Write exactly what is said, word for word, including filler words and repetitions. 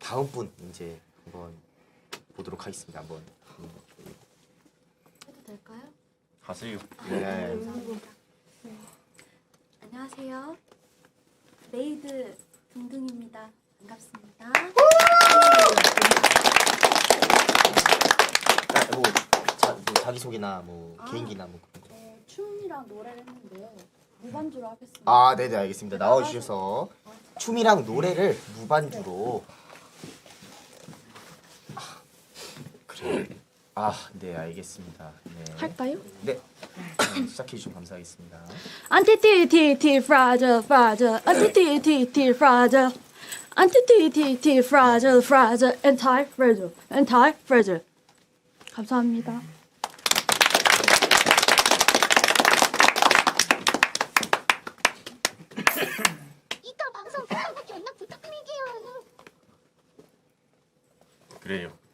다음 분 이제 한번 보도록 하겠습니다. 한번 음, 해도 될까요? 하세요. 네. 감사합니다. 네. 안녕하세요. 메이드 등등입니다. 반갑습니다. 아, 뭐, 자, 뭐 자기 소개나 뭐 아. 개인기나 뭐. 어, 춤이랑 노래를 했는데요. 무반주로 하겠습니다. 아, 네네 알겠습니다. 나와주셔서 춤이랑 노래를 무반주로. 아, 그래. 아, 네 알겠습니다. 네. 할까요? 네. 시작해 주시면 감사하겠습니다. 안티티티티 프라저 프라저 안티티티티 프라저 안티티티티 프라저 프라저 엔타이 프라저 엔타이 프라저 감사합니다. 이따 방송 끝나고 연락 부탁드릴게요. 그래요.